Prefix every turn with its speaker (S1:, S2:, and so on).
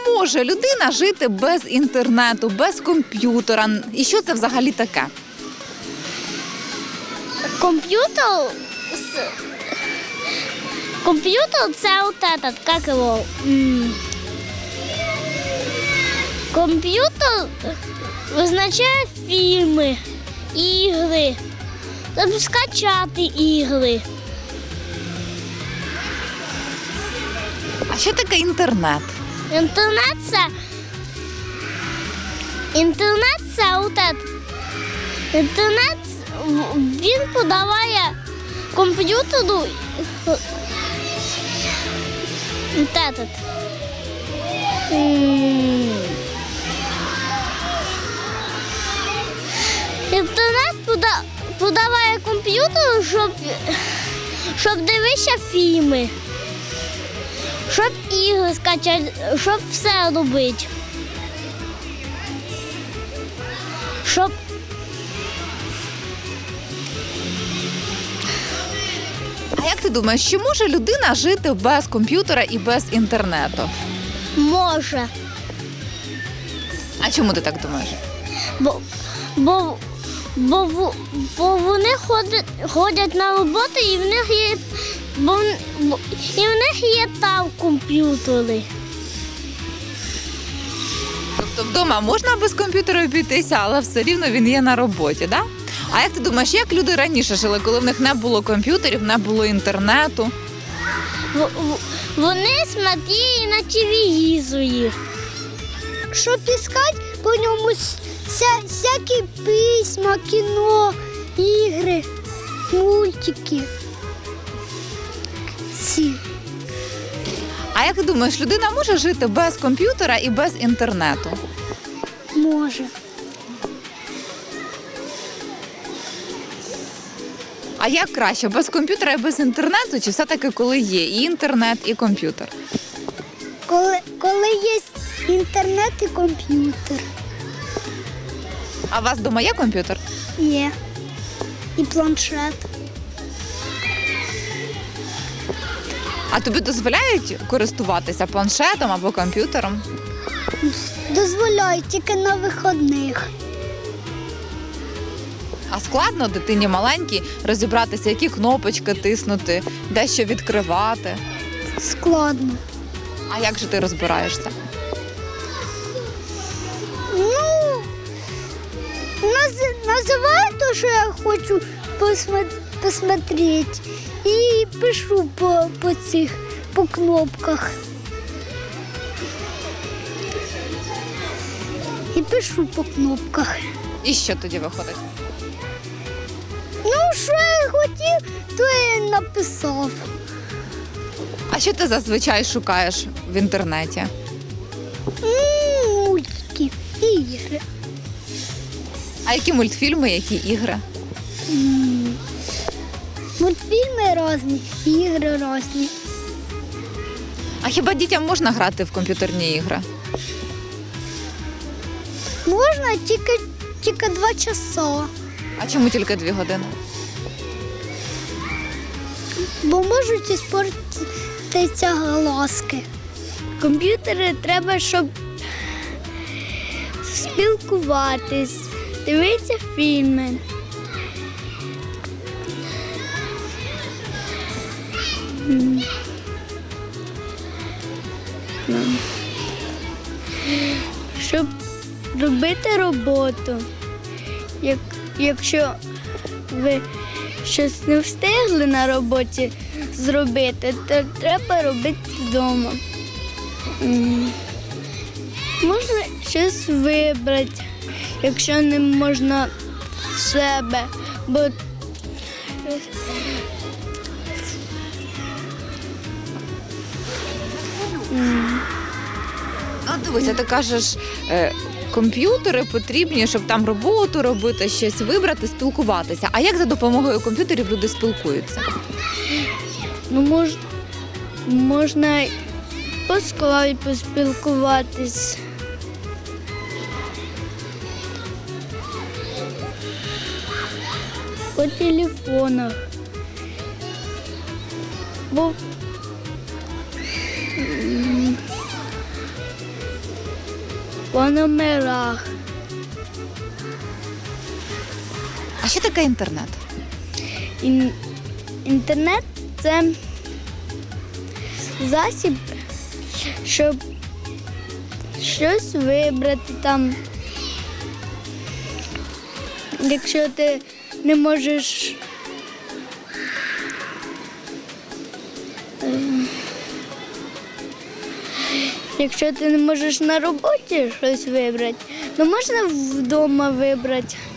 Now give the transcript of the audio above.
S1: може людина жити без інтернету, без комп'ютера? І що це взагалі таке?
S2: Комп'ютер це от этот, як його? Комп'ютер визначає фільми, ігри, тобто скачати ігри.
S1: А що таке інтернет?
S2: Інтернет це от этот. Інтернет він подаває комп'ютеру от этот. Інтернет подаває комп'ютеру, щоб дивитися фільми, щоб ігри скачати, щоб все робити.
S1: А як ти думаєш, чи може людина жити без комп'ютера і без інтернету?
S2: Може.
S1: А чому ти так думаєш?
S2: Бо вони ходять на роботу і в них є там комп'ютери.
S1: Тобто вдома можна без комп'ютера обійтися, але все рівно він є на роботі, так? А як ти думаєш, як люди раніше жили, коли в них не було комп'ютерів, не було інтернету?
S2: Вони смотрели на телевізорі. Щоб іскати по ньому всякі письма, кіно, ігри, мультики.
S1: А як ти думаєш, людина може жити без комп'ютера і без інтернету?
S2: Може.
S1: А як краще, без комп'ютера і без інтернету, чи все-таки коли є і інтернет, і комп'ютер?
S2: Коли є інтернет і комп'ютер.
S1: А у вас вдома є комп'ютер?
S2: Є. І планшет.
S1: А тобі дозволяють користуватися планшетом або комп'ютером?
S2: Дозволяють тільки на вихідних.
S1: А складно дитині маленькій розібратися, які кнопочки тиснути, де що відкривати?
S2: Складно.
S1: А як же ти розбираєшся?
S2: Ну, називаю те, що я хочу посмотрети. І пишу по кнопках. І пишу по кнопках.
S1: І що тоді виходить?
S2: Ну, що я хотів, то я і написав.
S1: А що ти зазвичай шукаєш в інтернеті?
S2: Мультики і ігри.
S1: А які мультфільми, які ігри?
S2: Мультфільми різні, ігри різні.
S1: А хіба дітям можна грати в комп'ютерні ігри?
S2: Можна тільки 2 часа.
S1: А чому тільки 2 години?
S2: Бо можуть іспортитися глазки. Комп'ютери треба, щоб спілкуватись, дивитися фільми. Щоб робити роботу. Якщо ви щось не встигли на роботі зробити, то треба робити вдома. Можна щось вибрати, якщо не можна в себе, бо
S1: Дивися, ти кажеш, комп'ютери потрібні, щоб там роботу робити, щось вибрати, спілкуватися. А як за допомогою комп'ютерів люди спілкуються?
S2: Ну, можна по скайпу поспілкуватись. По телефонах. по номерах.
S1: А що таке інтернет?
S2: Інтернет – це засіб, щоб щось вибрати там. Якщо ти не можеш якщо ти не можеш на роботі щось вибрати, то можна вдома вибрати.